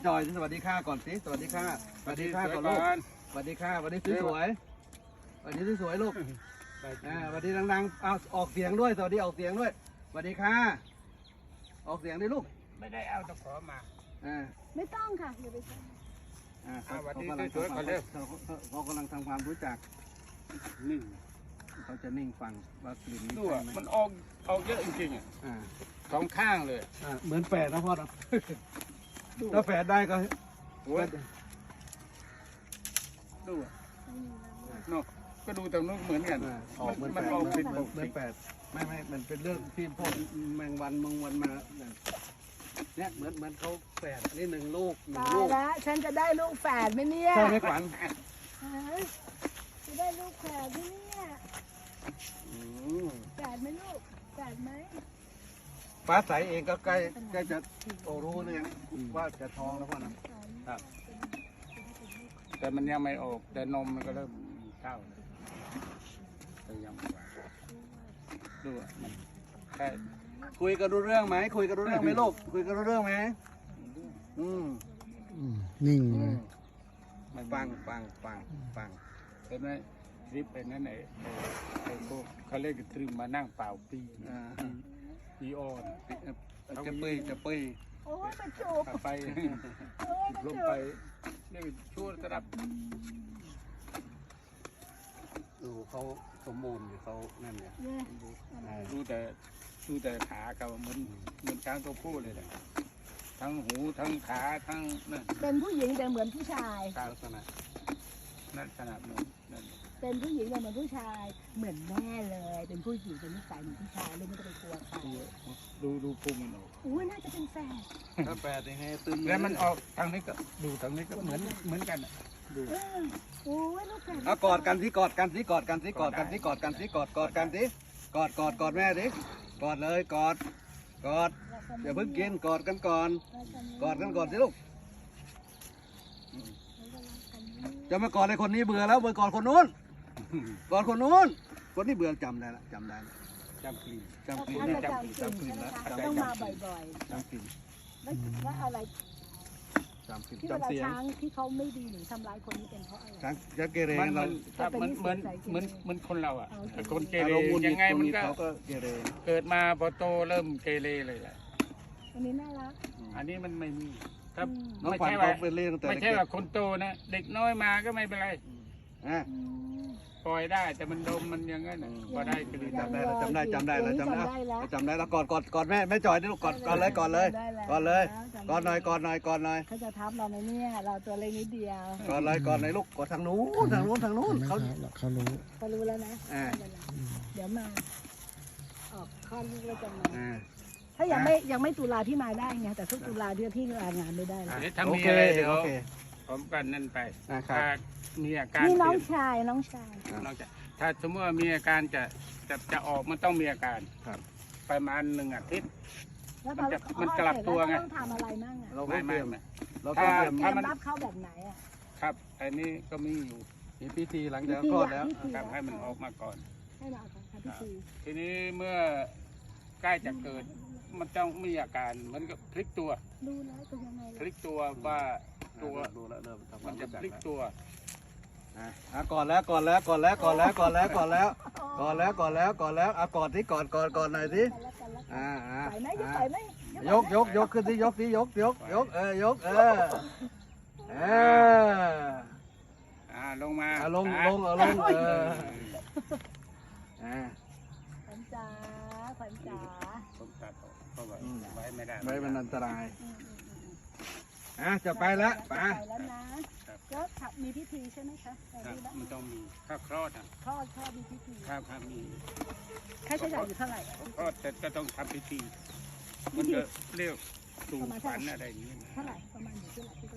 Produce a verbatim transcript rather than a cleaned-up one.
จอยสวัสดีค่ะก่อนสิสวัสดีค่ะสวัสดีค่ะก่อนลูกสวัสดีค่ะสวัสดีสวยๆสวัสดีสวยๆลูกอ่าสวัสดีดังๆเอาออกเสียงด้วยสวัสดีออกเสียงด้วยสวัสดีค่ะออกเสียงด้วยลูกไม่ได้เอาตะขอมาอ่าไม่ต้องค่ะอย่าไปใช้อ่าเขากำลังสวยๆเร็วเขากำลังทำความรู้จักนิ่งเขาจะนิ่งฟังว่ากลิ่นนี้ใช่ไหมมันออกออกเยอะจริงๆอ่ะอ่าสองข้างเลยอ่าเหมือนแฝดนะพ่อเนาะถ้าแฝดได้ก็ดูเนาะก็ดูตรงนู้นเหมือนกันออกเหมือนแฝดเหมือนแฝดไม่ไม่มันเป็นเรื่องที่พวกแมงวันมงวันมาเนี่ยเหมือนเหมือนเขาแฝดนี่หนึ่งลูกหนึ่งลูกแล้วฉันจะได้ลูกแฝดไหมเนี่ยใช่ไหมขวัญจะได้ลูกแฝดไหมเนี่ยแฝดไหมลูกแฝดไหมฟ้าใสเองก็ใกล้ใกล้จะโตรู้เนี่ยว่าจะท้องแล้วพ่อนะครับแต่มันยังไม่ออกแต่นมมันก็เริ่มเข้าแต่ยังไม่ดูมันแค่คุยกันรู้เรื่องไหมคุยกันรู้เรื่องไหมลูกคุยกันรู้เรื่องไหมอืมนิ่งเลยฟังฟังฟังฟังเห็นไหมทริปไอ้นั่นไอ้ไอ้พวกเขาเรียกทริปมานั่งเปล่าปีปีออนจะเปยจะเปยโอ้ยไปจูบไปลงไปนี่ช่วยระดับดูเขาสมบูรณ์เขานั่นเนี่ยดูแต่ดูแต่ขาเขาเหมือนเหมือนช้างตัวผู้เลยแหละทั้งหูทั้งขาทั้งนั่นเป็นผู้หญิงแต่เหมือนผู้ชายลักษณะนั่นขนาดนู้นนั่นเป็นผู้หญิงแต่เหมือนผู้ชายเหมือนแม่เลยเป็นผู้หญิงเป็นนิสัยเหมือนผู้ชายเลยไม่ต้องไปกลัวใครดูดูพุงมันออกอุ้ยน่าจะเป็นแฝดถ้าแฝดยังไงตึงแล้วมันออกทางนี้ก็ดูทางนี้ก็เหมือนเหมือนกันดูโอ้ยลูกแฝดเอากอดกันสิกอดกันสิกอดกันสิกอดกันสิกอดกันสิกอดกอดกันสิกอดกอดกอดแม่สิกอดเลยกอดกอดอย่าเพิ่งกินกอดกันก่อนกอดกันก่อนสิลูกจะมากอดในคนนี้เบื่อแล้วเบื่อกอดคนนู้นกอดคนนู้นคนนี้เบื่อจำได้ละจำได้จำกลิ่นจำกลิ่นจำกลิ่นแล้วต้องมาบ่อยๆจำกลิ่นแล้วอะไรจำกลิ่นที่เวลาช้างที่เขาไม่ดีหรือทำร้ายคนนี้เป็นเพราะอะไรช้างจะเกเรมันเหมือนเหมือนเหมือนเหมือนคนเราอ่ะคนเกเรยังไงมันก็เกเรเกิดมาพอโตเริ่มเกเรเลยแหละอันนี้น่ารักอันนี้มันไม่มีครับไม่ใช่ว่าไม่ใช่ว่าคนโตนะเด็กน้อยมาก็ไม่เป็นไรปล่อยได้แต่มันดมมันยังไงน่ะพอได้ก็ดีจำได้จำได้จำได้แล้วจำได้จำได้แล้วกอดกอดกอดแม่แม่จอยนี่ลูกกอดกอดเลยกอดเลยกอดเลยกอดหน่อยกอดหน่อยกอดหน่อยเขาจะทับเราไหมเนี่ยเราตัวเล็กนิดเดียวกอดเลยกอดหน่อยลูกกอดทางนู้นทางนู้นทางนู้นเขาเขารู้เขารู้แล้วนะเดี๋ยวมาออกข้อลูกแล้วจะมาถ้ายังไม่ยังไม่ตุลาที่มาได้ไงแต่ทุกตุลาที่ที่ลางานไม่ได้แล้วถ้ามีอะไรเดี๋ยวผมกันนั่นไปถ้ามีอาการนี่น้องชายน้องชายน้องชายถ้าสมมติว่ามีอาการจะจะจะออกมันต้องมีอาการประมาณหนึ่งอาทิตย์มันจะมันกลับตัวไงต้องทำอะไรมั่งอ่ะเราไม่ไม่ไม่ถ้าถ้ามันรับเข้าแบบไหนอ่ะครับอันนี้ก็มีอยู่มีพิธีหลังจากคลอดแล้วทำให้มันออกมาก่อนให้เราทำพิธีทีนี้เมื่อใกล้จะเกิดมันต้องมีอาการมันก็พลิกตัวดูแล้วเป็นยังไงพลิกตัวว่าตัวมันจะพลิกตัวอ่ะก่อนแล้วก่อนแล้วก่อนแล้วก่อนแล้วก่อนแล้วก่อนแล้วก่อนแล้วก่อนแล้วก่อนแล้วอ่ะกอดที่กอดกอดกอดหน่อยสิอ่าอ่ายกยกยกขึ้นที่ยกที่ยกยกยกเออยกเออเอออ่าลงมาลงลงเอาลงเอออ่าขวัญจ๋าขวัญจ๋าผมตัดเพราะว่าไว้ไม่ได้ไว้มันอันตรายอ่ะจะไปแล้วไปแล้วนะแล้วมีพิธีใช่ไหมคะมันต้องมีข้าวคลอดอ่ะคลอดคลอดมีพิธีข้าวข้าวมีค่าใช้จ่ายอยู่เท่าไหร่คลอดแต่จะต้องทำพิธีมันจะเรียกสู่ฝันอะไรอย่างนี้เท่าไหร่ประมาณอยู่เท่าไหร่